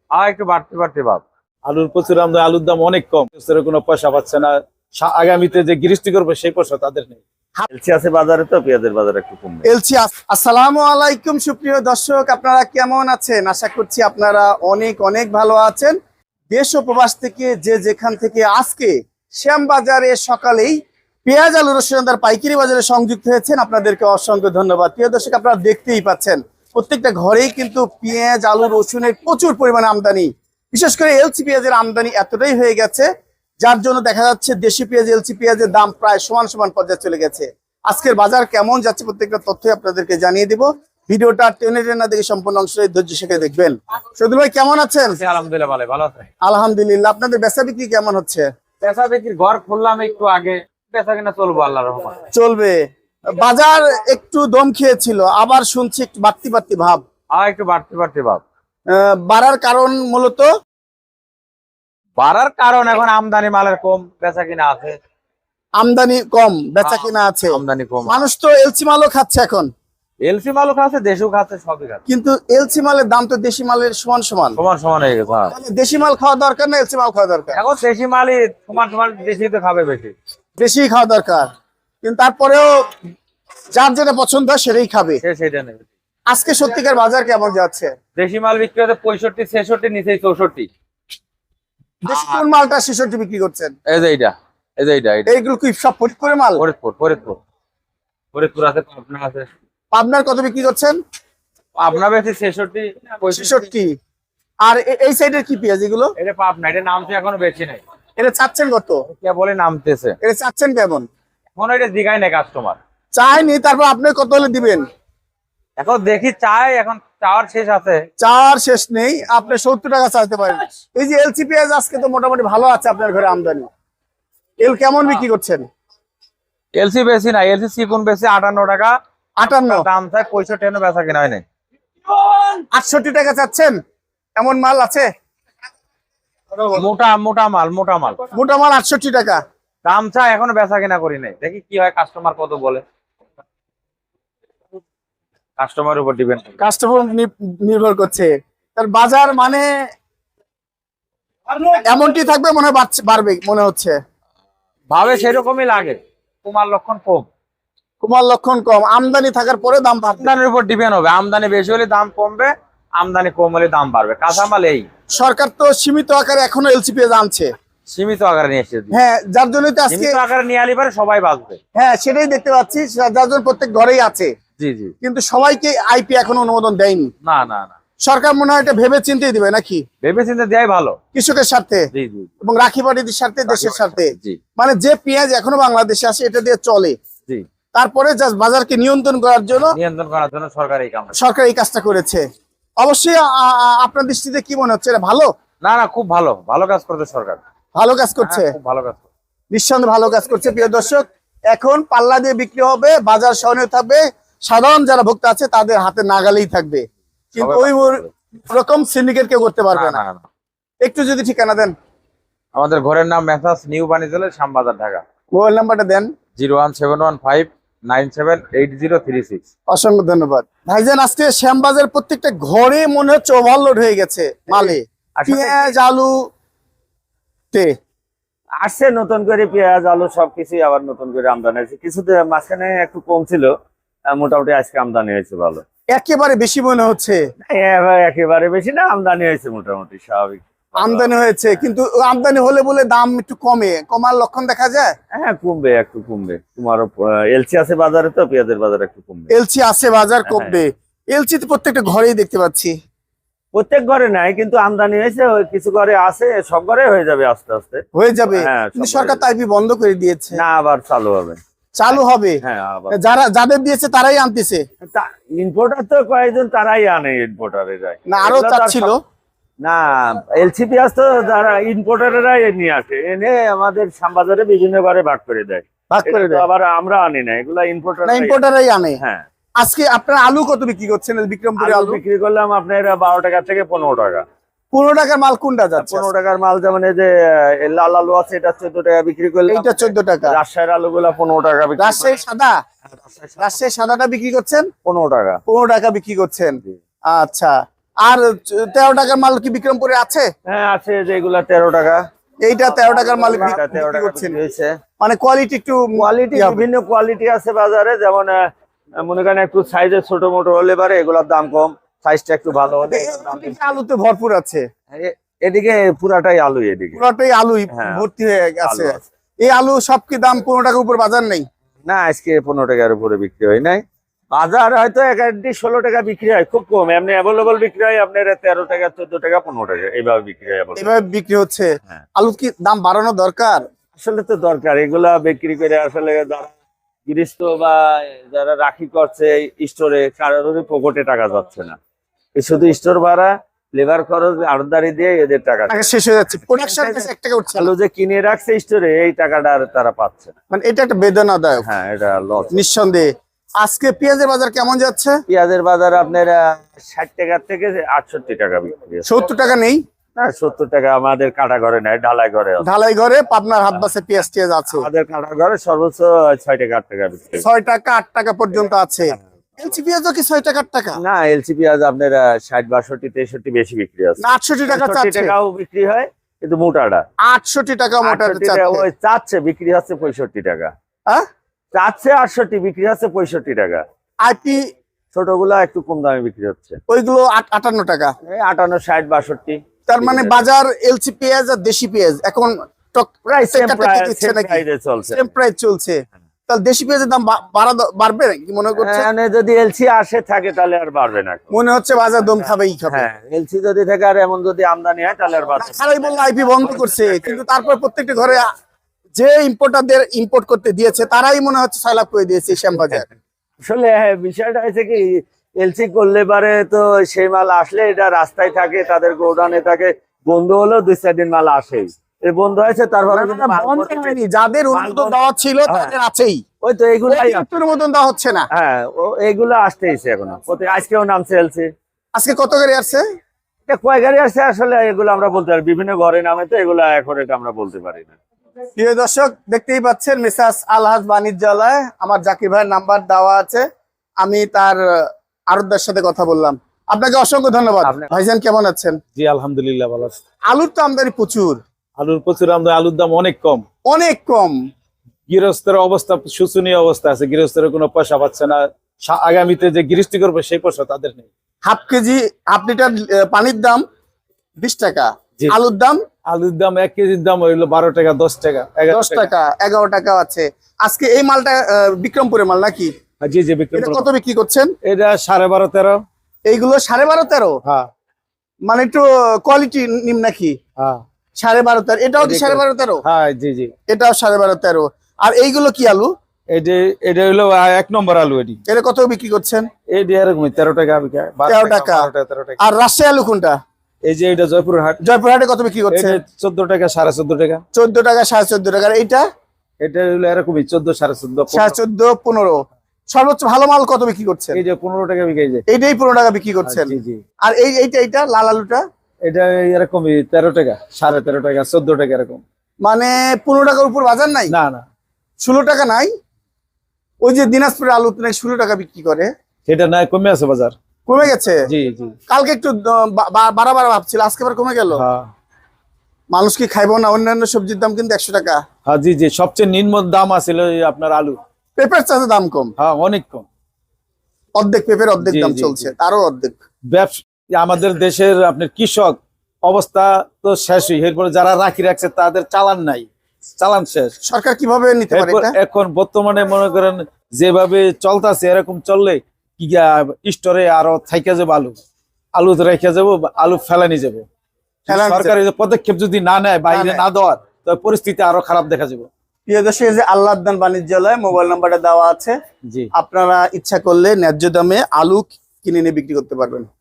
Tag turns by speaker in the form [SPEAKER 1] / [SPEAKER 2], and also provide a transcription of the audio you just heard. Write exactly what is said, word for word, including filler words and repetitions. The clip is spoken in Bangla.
[SPEAKER 1] আর একটু বাড়তে বাড়তে ভাব।
[SPEAKER 2] আলুর প্রচুর আমদানি, আলুর দাম অনেক কম, কোনো পয়সা পাচ্ছে না। আগামীতে যে গৃহস্থী করবে সেই পয়সা তাদের নেই।
[SPEAKER 3] এলসি আছে বাজারে, তো পেঁয়াজের বাজার একটু কম।
[SPEAKER 4] এলসি। আসসালামু আলাইকুম সুপ্রিয় দর্শক, আপনারা কেমন আছেন? আশা করছি আপনারা অনেক অনেক ভালো আছেন। দেশ ও প্রবাস থেকে যে যেখান থেকে আজকে শ্যামবাজারে সকালেই পেঁয়াজ আলু রসুনদার পাইকারি বাজারে সংযুক্ত হয়েছেন, আপনাদেরকে অসংখ্য ধন্যবাদ। প্রিয় দর্শক, আপনারা দেখতেই পাচ্ছেন প্রত্যেকটা ঘরেই কিন্তু পেঁয়াজ আলু রসুনের প্রচুর পরিমাণে আমদানি। বিশেষ করে এলসি পেঁয়াজের আমদানি এতটাই হয়ে গেছে, যার জন্য দেখা যাচ্ছে দেশি পেঁয়াজ এলসি পেঁয়াজের দাম প্রায় সমান সমান পর্যায়ে চলে গেছে। আজকের বাজার কেমন যাচ্ছে প্রত্যেকটা তথ্য আপনাদেরকে জানিয়ে দিব। ভিডিওটা টেনে টেনে দেখে সম্পূর্ণ অংশে ধৈর্য শেখে দেখবেন। সদুল ভাই কেমন আছেন?
[SPEAKER 1] আলহামদুলিল্লাহ ভালো ভালো আছে।
[SPEAKER 4] আলহামদুলিল্লাহ। আপনাদের বেচা বিক্রি কেমন হচ্ছে?
[SPEAKER 1] পেশা বিক্রির ঘর খুললাম একটু আগে, পেশা কিনা চলবো আল্লাহর রহমতে।
[SPEAKER 4] চলবে। বাজার একটু দম খেয়েছিল, আবার শুনছি একটু বাড়তি বাড়তি ভাব।
[SPEAKER 1] আর একটু বাড়তে বাড়তে ভাব।
[SPEAKER 4] আহ, বাড়ার কারণ মূলত
[SPEAKER 1] বাড়ার কারণ এখন আমদানি মালের কম, বেচা কিনা আছে।
[SPEAKER 4] আমদানি কম, বেচা কিনা আছে।
[SPEAKER 1] আমদানি কম।
[SPEAKER 4] মানুষ তো এলসি মালও খাচ্ছে এখন।
[SPEAKER 1] এলসি মালও খাচ্ছে, দেশও খাচ্ছে, সবই খাচ্ছে।
[SPEAKER 4] কিন্তু এলসি মালের দাম তো দেশি মালের সমান সমান
[SPEAKER 1] সমান সমান হয়ে গেছে। হ্যাঁ।
[SPEAKER 4] তাহলে দেশি মাল খাওয়া দরকার না এলসি মাল খাওয়া দরকার?
[SPEAKER 1] এখন দেশি মালই সমান সমান, দেশি তো খাবে বেশি।
[SPEAKER 4] বেশি খাওয়া দরকার, কিন্তু তারপরেও যার যেটা পছন্দ হয় সেটাই খাবে।
[SPEAKER 1] সে সেটা নেবে।
[SPEAKER 4] আজকে সত্যিকার বাজার কেমন যাচ্ছে?
[SPEAKER 1] দেশি মাল বিক্রি হচ্ছে পঁয়ষট্টি ছেষট্টি, নিচেই চৌষট্টি।
[SPEAKER 4] দেশি কোন মালটা ছেষট্টি বিক্রি করছেন?
[SPEAKER 1] এই যে এইটা, এই যে এইটা, এইটা।
[SPEAKER 4] এইগুলো কি সব ফরিদপুরের মাল?
[SPEAKER 1] ফরিদপুর ফরিদপুর ফরিদপুর আছে, পাবনা আছে।
[SPEAKER 4] পাবনার কত বিক্রি করছেন?
[SPEAKER 1] পাবনা বেশি ছেষট্টি
[SPEAKER 4] ছেষট্টি। আর এ- এই সাইডের কি পেঁয়াজ এগুলো?
[SPEAKER 1] এটা পাবনা, এটা নামছে এখনো বেশি নাই।
[SPEAKER 4] এটা চাচ্ছেন কত?
[SPEAKER 1] কে বলে নামতেছে,
[SPEAKER 4] এটা চাচ্ছেন কেমন?
[SPEAKER 1] এখন এটা জিগায় নাই কাস্টমার।
[SPEAKER 4] চাইনি, তারপর আপনি কত হলে দিবেন?
[SPEAKER 1] এখন দেখি চাই, এখন চাওয়ার শেষ আছে।
[SPEAKER 4] চার শেষ নেই, আপনি সত্তর টাকা চাইতে পারেন। এই যে এলসি পেঁয়াজ আজকে তো মোটামুটি ভালো আছে আপনার ঘরে আমদানি। এল কেমন বিক্রি করছেন?
[SPEAKER 1] এলসি বেশি না, এলসি সিকুন বেশি আটান্ন টাকা।
[SPEAKER 4] আটান্ন।
[SPEAKER 1] দাম চাই পঁয়ষট্টি, এনে বেচা কিনা হয় নাই।
[SPEAKER 4] আটষট্টি টাকা চাচ্ছেন? এমন মাল আছে?
[SPEAKER 1] মোটা মোটা মাল, মোটা মাল।
[SPEAKER 4] মোটা মাল আটষট্টি টাকা
[SPEAKER 1] দাম চাই, এখনো বেচা কিনা করি নাই। দেখি কি হয়, কাস্টমার কত বলে। কাস্টমারের উপর ডিপেন্ড।
[SPEAKER 4] কাস্টমার নির্ভর করছে। তার বাজার মানে এমনটি থাকবে মনে হয়, বাড়ছে- বাড়বে মনে হচ্ছে।
[SPEAKER 1] ভাবে সেরকমই লাগে। তোমার লক্ষণ কম,
[SPEAKER 4] কুমার লক্ষণ কম, আমদানি থাকার পরে দাম বাড়বে।
[SPEAKER 1] আমদানির উপর ডিপেন্ড হবে। আমদানি বেশি হলে দাম কমবে, আমদানি কম হলে দাম বাড়বে। কাঁচামাল এই
[SPEAKER 4] সরকার তো সীমিত আকারে এখনো এলসি পেঁয়াজ আনছে।
[SPEAKER 1] সীমিত আকারে নিয়ে এসেছে।
[SPEAKER 4] হ্যাঁ, যার জন্যই তো আজকে
[SPEAKER 1] সীমিত আকারে নিয়ে আলি পারে সবাই বাঁচবে।
[SPEAKER 4] হ্যাঁ সেটাই দেখতে পাচ্ছি, যার জন্য প্রত্যেক ঘরেই আছে।
[SPEAKER 1] জি জি।
[SPEAKER 4] কিন্তু সবাইকে আইপি এখনো অনুমোদন দেয়নি।
[SPEAKER 1] না না না,
[SPEAKER 4] সরকার মনে হয় এটা ভেবে চিন্তেই দিবে নাকি?
[SPEAKER 1] ভেবে চিন্তে দেয় ভালো।
[SPEAKER 4] কৃষকের স্বার্থে
[SPEAKER 1] জি জি
[SPEAKER 4] এবং রাখি পাটিদের স্বার্থে, দেশের স্বার্থে।
[SPEAKER 1] জি
[SPEAKER 4] মানে যে পেঁয়াজ এখনো বাংলাদেশে আসে এটা দিয়ে চলে,
[SPEAKER 1] জি।
[SPEAKER 4] তারপরে জাস্ট বাজারকে নিয়ন্ত্রণ করার জন্য
[SPEAKER 1] নিয়ন্ত্রণ করার জন্য সরকার এই কাম।
[SPEAKER 4] সরকার এই কাজটা করেছে। অবশ্যই আ- আ- আপনার দৃষ্টিতে কি মনে হচ্ছে, এটা ভালো?
[SPEAKER 1] না না, খুব ভালো, ভালো কাজ করছে সরকার।
[SPEAKER 4] ভালো কাজ করছে,
[SPEAKER 1] হ্যাঁ, খুব ভালো কাজ করছে।
[SPEAKER 4] নিঃসন্দেহে ভালো কাজ করছে। প্রিয় দর্শক, এখন পাল্লা দিয়ে বিক্রি হবে, বাজার সহনীয় থাকবে, সাধারণ যারা ভোক্তা আছে তাদের হাতে নাগালেই থাকবে, কিন্তু
[SPEAKER 1] সবাই
[SPEAKER 4] ওই
[SPEAKER 1] পাচ্ছে।
[SPEAKER 4] রকম সিন্ডিকেট কেউ করতে পারবে
[SPEAKER 1] না,
[SPEAKER 4] না।
[SPEAKER 1] না, না।
[SPEAKER 4] একটু যদি ঠিকানা দেন।
[SPEAKER 1] আমাদের ঘরের নাম মেসাজ নিউ বাণিজ্যালয়, শ্যামবাজার, ঢাকা।
[SPEAKER 4] মোবাইল নাম্বারটা দেন।
[SPEAKER 1] Zero one seven one five nine seven eight zero three six.
[SPEAKER 4] অসংখ্য ধন্যবাদ ভাইজান। আজকে শ্যামবাজার প্রত্যেকটা ঘরে মনে হচ্ছে ওভারলোড হয়ে গেছে মালে,
[SPEAKER 3] আসলে
[SPEAKER 4] পেঁয়াজ আলু তে।
[SPEAKER 3] আসছে নতুন করে পেঁয়াজ আলু সবকিছুই আবার নতুন করে আমদানি হয়েছে। কিছুতে মাঝখানে একটু কম ছিল, আহ, মোটামুটি আজকে আমদানি হয়েছে ভালো।
[SPEAKER 4] একেবারে বেশি মনে হচ্ছে।
[SPEAKER 3] এ- একেবারে বেশি না, আমদানি হয়েছে মোটামুটি স্বাভাবিক।
[SPEAKER 4] আমদানি হয়েছে, কিন্তু আমদানি হলে বলে দাম একটু কমে, কমার লক্ষণ দেখা যায়।
[SPEAKER 3] হ্যাঁ কমবে, একটু কমবে। তোমারও এলসি আছে বাজারে, তো পেঁয়াজের বাজার একটু কমবে।
[SPEAKER 4] এলসি আছে, বাজার কমবে। এলসি তো প্রত্যেকটা ঘরেই দেখতে পাচ্ছি।
[SPEAKER 3] প্রত্যেক ঘরে নাই, কিন্তু আমদানি হয়েছে, ওই কিছু ঘরে আছে, সব ঘরে হয়ে যাবে আস্তে আস্তে।
[SPEAKER 4] হয়ে যাবে,
[SPEAKER 3] হ্যাঁ,
[SPEAKER 4] কিন্তু
[SPEAKER 3] সব
[SPEAKER 4] সরকার
[SPEAKER 3] ঘরে।
[SPEAKER 4] তাইপি বন্ধ করে দিয়েছে।
[SPEAKER 3] না, আবার চালু হবে।
[SPEAKER 4] চালু হবে।
[SPEAKER 3] হ্যাঁ আবার
[SPEAKER 4] যারা যাদের দিয়েছে তারাই আনতেছে
[SPEAKER 3] ইম্পোর্টার তো কয়েকজন তারাই আনে, ইম্পোর্টারেরাই।
[SPEAKER 4] না, আরো
[SPEAKER 3] এগুলো তো আর
[SPEAKER 4] চাচ্ছিল।
[SPEAKER 3] সব- না, এলসি পেঁয়াজ তো যারা ইম্পোর্টারেরাই নিয়ে আসে, এনে আমাদের শ্যামবাজারে বিভিন্ন ঘরে ভাগ করে দেয়।
[SPEAKER 4] ভাগ করে
[SPEAKER 3] এটা তো
[SPEAKER 4] দেয়
[SPEAKER 3] আবার আমরা আনি না, এগুলা ইম্পোর্টার।
[SPEAKER 4] না, ইম্পোর্টারই আনে।
[SPEAKER 3] হ্যাঁ।
[SPEAKER 4] আজকে আপনার আলু কত বিক্রি করছেন? বিক্রমপুরে
[SPEAKER 3] আলু
[SPEAKER 4] আলু
[SPEAKER 3] বিক্রি করলাম আপনার বারো টাকা থেকে পনেরো টাকা।
[SPEAKER 4] পনেরো টাকার মাল কোনটা যাচ্ছে?
[SPEAKER 3] পনেরো টাকার মাল যেমন এই যে আহ, এই লাল আলু আছে, এটা চোদ্দ টাকা বিক্রি করলাম।
[SPEAKER 4] এইটা চোদ্দ টাকা।
[SPEAKER 3] রাজশাহীর আলু গুলা পনেরো টাকা বিক্রি
[SPEAKER 4] রাজশাহী সাদা, রাজশাহী সাদাটা বিক্রি করছেন
[SPEAKER 3] পনেরো টাকা।
[SPEAKER 4] পনেরো টাকা বিক্রি করছেন।
[SPEAKER 3] জি।
[SPEAKER 4] আচ্ছা, আর তেরো টাকার মাল কি বিক্রমপুরে আছে?
[SPEAKER 3] হ্যাঁ আছে, যেগুলা তেরো টাকা।
[SPEAKER 4] এইটা তেরো টাকার মাল
[SPEAKER 3] এটা তেরো
[SPEAKER 4] বিক্রি
[SPEAKER 3] টাকা
[SPEAKER 4] করছেন,
[SPEAKER 3] বিক্রি হয়েছে।
[SPEAKER 4] মানে কোয়ালিটি একটু
[SPEAKER 3] কোয়ালিটি
[SPEAKER 4] কি হবে?
[SPEAKER 3] বিভিন্ন কোয়ালিটি আছে বাজারে, যেমন আহ, মনে করেন একটু সাইজে ছোট মোটো হলে পারে এগুলোর দাম কম, সাইজটা একটু ভালো হলে এগুলোর দাম বেশি।
[SPEAKER 4] এদিকে আলুতে ভরপুর আছে,
[SPEAKER 3] এ- এদিকে পুরাটাই আলু, এদিকে
[SPEAKER 4] পুরোটাই আলুই
[SPEAKER 3] হ্যাঁ,
[SPEAKER 4] ভর্তি হয়ে গেছে।
[SPEAKER 3] আলু আছে।
[SPEAKER 4] এই আলু সব কি দাম পনেরো টাকার উপর বাজার নেই?
[SPEAKER 3] না, আজকে পনেরো টাকার উপরে বিক্রি হয় নাই। বাজার হয়তো এক একটি ষোলো টাকা বিক্রি হয়, খুব কম। এমনি অ্যাভেলেবল বিক্রি হয় আপনার তেরো টাকা, চোদ্দ টাকা, পনেরো টাকা এইভাবে বিক্রি হয় available।
[SPEAKER 4] এভাবে বিক্রি হচ্ছে।
[SPEAKER 3] হ্যাঁ।
[SPEAKER 4] আলু কি দাম বাড়ানো দরকার?
[SPEAKER 3] আসলে তো দরকার, এগুলা বিক্রি করে আসলে যারা গৃহস্থ বা যারা রাখি করছে স্টোরে, কারোরই পকেটে টাকা যাচ্ছে না। এই শুধু স্টোর ভাড়া, লেবার খরচ, আড়তদারি দিয়ে এদের টাকা।
[SPEAKER 4] টাকা শেষ হয়ে যাচ্ছে, প্রোডাকশন এক টাকা উঠছে না।
[SPEAKER 3] আলু যে কিনে রাখছে স্টোরে, এই টাকাটা আর তারা পাচ্ছে না।
[SPEAKER 4] মানে এটা একটা বেদনাদায়ক
[SPEAKER 3] হ্যাঁ, এটা লস।
[SPEAKER 4] নিঃসন্দেহে। আজকে পেঁয়াজের বাজার কেমন যাচ্ছে?
[SPEAKER 3] পেঁয়াজের বাজার আপনার ষাট টাকা থেকে আটষট্টি টাকা বিক্রি হচ্ছে।
[SPEAKER 4] সত্তর টাকা নেই?
[SPEAKER 3] না, সত্তর টাকা আমাদের কাটা ঘরে নেয়, ঢালাই ঘরে আছে।
[SPEAKER 4] ঢালাই ঘরে পাবনার হাত বাসে পেঁয়াজ টিয়াজ আছে,
[SPEAKER 3] আমাদের কাটা ঘরে সর্বোচ্চ ছয় টাকা আট টাকা বিক্রি হয়।
[SPEAKER 4] ছয় টাকা আট টাকা পর্যন্ত আছে। এলচি পেঁয়াজও কি ছয় টাকা আট টাকা
[SPEAKER 3] না, এলসি পেঁয়াজ আপনার ষাট বাষট্টি তেষট্টি বেশি বিক্রি আছে।
[SPEAKER 4] না আটষট্টি টাকা
[SPEAKER 3] পঁয়ষট্টি
[SPEAKER 4] চাচ্ছে?
[SPEAKER 3] টাকাও বিক্রি হয়, কিন্তু মোটাটা
[SPEAKER 4] আটষট্টি টাকা মোটা
[SPEAKER 3] আটষট্টি টাকা ওই চাচ্ছে, বিক্রি হচ্ছে পঁয়ষট্টি টাকা।
[SPEAKER 4] হ্যাঁ,
[SPEAKER 3] চাচ্ছে আটষট্টি, বিক্রি হচ্ছে পঁয়ষট্টি টাকা।
[SPEAKER 4] আইপি
[SPEAKER 3] ছোটগুলা একটু কম দামে বিক্রি হচ্ছে,
[SPEAKER 4] ওইগুলো আট- আটান্ন টাকা।
[SPEAKER 3] এই আটান্ন, ষাট, বাষট্টি।
[SPEAKER 4] তার মানে বাজার এলচি পেঁয়াজ আর দেশি পেঁয়াজ এখন টক-
[SPEAKER 3] প্রায় সেম
[SPEAKER 4] টেক্কা টেক্কি দিচ্ছে নাকি?
[SPEAKER 3] চলছে।
[SPEAKER 4] সেম প্রাইস চলছে। তাহলে দেশি পেঁয়াজের দাম বা- বাড়া দ- বাড়বে কি মনে করছে?
[SPEAKER 3] মানে যদি এলসি আসে থাকে তাহলে আর বাড়বে না।
[SPEAKER 4] মনে হচ্ছে বাজার দম খাবেই খাবে।
[SPEAKER 3] হ্যাঁ, এলসি যদি থাকে আর এমন যদি আমদানি হয় তাহলে আর বাড়বে না।
[SPEAKER 4] খারাই বললো আইপি বন্ধ করছে, কিন্তু তারপর প্রত্যেকটা ঘরে আ- যে ইম্পোর্টারদের ইম্পোর্ট করতে দিয়েছে তারাই মনে হচ্ছে ছয় লাখ করে দিয়েছে শ্যামবাজার।
[SPEAKER 3] আসলে হ্যাঁ, বিষয়টা হয়েছে কি, এলসি করলে পারে তো সেই মাল আসলে এটা রাস্তায় থাকে, তাদের গোডাউনে থাকে, বন্ধ হলেও দুই চার দিন মাল আসেই। এই বন্ধ হয়েছে, তারপরে কিন্তু মাল
[SPEAKER 4] বন্ধ
[SPEAKER 3] ভর্তি-
[SPEAKER 4] হয়নি, যাদের অনুমোদন দেওয়া ছিল তাদের আছেই,
[SPEAKER 3] ওই তো এইগুলাই আছে।
[SPEAKER 4] অনুমোদন দেওয়া হচ্ছে না।
[SPEAKER 3] হ্যাঁ, ও- এইগুলো আসতেইছে এখনো, প্রতি- আজকেও নামছে এলসি।
[SPEAKER 4] আজকে কত করে আসছে?
[SPEAKER 3] এটা কয় গাড়ি আসছে আসলে এগুলো আমরা বলতে পারি, বিভিন্ন ঘরে নামে তো এগুলো এখন এটা আমরা বলতে পারি না।
[SPEAKER 4] প্রিয় দর্শক, দেখতেই পাচ্ছেন মেসাস আলহাজ বাণিজ্যালয়, আমার জাকির ভাইয়ের নাম্বার দেওয়া আছে, আমি তার আরতদার সাথে কথা বললাম। আপনাকে অসংখ্য ধন্যবাদ।
[SPEAKER 3] আপনাকে-
[SPEAKER 4] ভাইজান কেমন আছেন?
[SPEAKER 2] জি আলহামদুলিল্লাহ ভালো আছে।
[SPEAKER 4] আলুর তো আমদানি প্রচুর,
[SPEAKER 2] আলুর প্রচুর আমদানি, আলুর দাম অনেক কম।
[SPEAKER 4] অনেক কম।
[SPEAKER 2] গৃহস্থের অবস্থা শোচনীয় অবস্থা আছে, গৃহস্থের কোনো পয়সা পাচ্ছে না। সা- আগামীতে যে গৃহস্থী করবে সেই পয়সা তাদের নেই।
[SPEAKER 4] হাফ কেজি হাফ লিটার আহ, পানির দাম বিশ টাকা,
[SPEAKER 2] জি।
[SPEAKER 4] আলুর দাম
[SPEAKER 2] আলুর দাম এক কেজির দাম হইলো বারো টাকা, দশ টাকা, এগারো
[SPEAKER 4] দশ টাকা, এগারো টাকা আছে। আজকে এই মালটা আহ, বিক্রমপুরের মাল নাকি?
[SPEAKER 2] জি জি বিক্রি
[SPEAKER 4] এটা
[SPEAKER 2] করবো।
[SPEAKER 4] কত বিক্রি করছেন?
[SPEAKER 2] এটা সাড়ে বারো তেরো।
[SPEAKER 4] এইগুলো সাড়ে বারো তেরো,
[SPEAKER 2] হ্যাঁ
[SPEAKER 4] মানে একটু কোয়ালিটি নিম নাকি?
[SPEAKER 2] হ্যাঁ
[SPEAKER 4] সাড়ে বারো তেরো, এটাও কি সাড়ে বারো তেরো?
[SPEAKER 2] হ্যাঁ জি জি।
[SPEAKER 4] এটাও সাড়ে বারো তেরো। আর এইগুলো কি আলু?
[SPEAKER 2] এটা এটা হইলো আহ, এক নম্বর আলু। এটি
[SPEAKER 4] এটা কত বিক্রি করছেন?
[SPEAKER 2] এটি এরকমই তেরো টাকা বিক্রি হয়, বারো
[SPEAKER 4] তেরো টাকা।
[SPEAKER 2] বারো টাকা, তেরো টাকা।
[SPEAKER 4] আর রাজশাহী আলু কোনটা?
[SPEAKER 2] এই যে এটা জয়পুর হাট,
[SPEAKER 4] জয়পুরহাটে কত বিক্রি
[SPEAKER 2] এটা
[SPEAKER 4] করছেন?
[SPEAKER 2] চোদ্দ টাকা, সাড়ে চোদ্দ টাকা।
[SPEAKER 4] চোদ্দ টাকা, সাড়ে চোদ্দ টাকা। আর এইটা
[SPEAKER 2] এটা হইলো এরকমই চোদ্দ, সাড়ে চোদ্দ,
[SPEAKER 4] সাড়ে চোদ্দ, পনেরো। সর্বোচ্চ ভালো মাল কত বিক্রি করছেন?
[SPEAKER 2] এই যে পনেরো টাকা বিক্রি যায়।
[SPEAKER 4] এইটাই পনেরো টাকা বিক্রি করছেন।
[SPEAKER 2] জি জি।
[SPEAKER 4] আর এই এইটা এইটা লাল আলুটা
[SPEAKER 2] এটা এরকমই তেরো টাকা, সাড়ে তেরো টাকা, চোদ্দ টাকা এরকম।
[SPEAKER 4] মানে পনেরো টাকার উপর বাজার নাই?
[SPEAKER 2] না না,
[SPEAKER 4] ষোলো টাকা নাই? ওই যে দিনাজপুরের আলু নাকি ষোলো টাকা বিক্রি করে,
[SPEAKER 2] সেটা নাই, কমে আছে বাজার।
[SPEAKER 4] কমে গেছে?
[SPEAKER 2] জি জি।
[SPEAKER 4] কালকে একটু আহ, বা- বা- বাড়া বাড়া ভাবছিল, আজকে আবার কমে গেল।
[SPEAKER 2] হ্যাঁ
[SPEAKER 4] মানুষ কি খাইবো না? অন্যান্য সবজির দাম কিন্তু একশো টাকা।
[SPEAKER 2] হ্যাঁ জি জি, সবচেয়ে নিম্ন দাম আছিল এই আপনার আলু।
[SPEAKER 4] পেঁপের চাষে দাম কম,
[SPEAKER 2] হ্যাঁ অনেক কম।
[SPEAKER 4] অর্ধেক পেঁপের অর্ধেক
[SPEAKER 2] জি,
[SPEAKER 4] দাম
[SPEAKER 2] জি,
[SPEAKER 4] চলছে,
[SPEAKER 2] জি।
[SPEAKER 4] তারও অর্ধেক।
[SPEAKER 2] ব্যবসা আমাদের দেশের আপনার কৃষক অবস্থা তো শেষই, এরপরে যারা রাখি রাখছে তাদের চালান নাই, চালান শেষ।
[SPEAKER 4] সরকার কিভাবে নিতে পারে
[SPEAKER 2] এরপর
[SPEAKER 4] এটা?
[SPEAKER 2] এখন বর্তমানে মনে করেন যেভাবে চলতেছে এরকম চললে কি স্টোরে আরো থাইকা যাবো, আলু আলু তো রেখে যাবো, আলু ফেলানি যাবে।
[SPEAKER 4] ফেলানি
[SPEAKER 2] সরকার এই যে পদক্ষেপ যদি না নেয়, বাইরে
[SPEAKER 4] নেয়।
[SPEAKER 2] না দেওয়ার, তবে পরিস্থিতি আরো খারাপ দেখা যাবে।
[SPEAKER 4] প্রিয় দর্শক, এই যে আল্লাহদান বাণিজ্যালয় মোবাইল নাম্বারটা দেওয়া আছে,
[SPEAKER 2] জি।
[SPEAKER 4] আপনারা ইচ্ছা করলে ন্যায্য দামে আলু কিনে নিয়ে বিক্রি করতে পারবেন।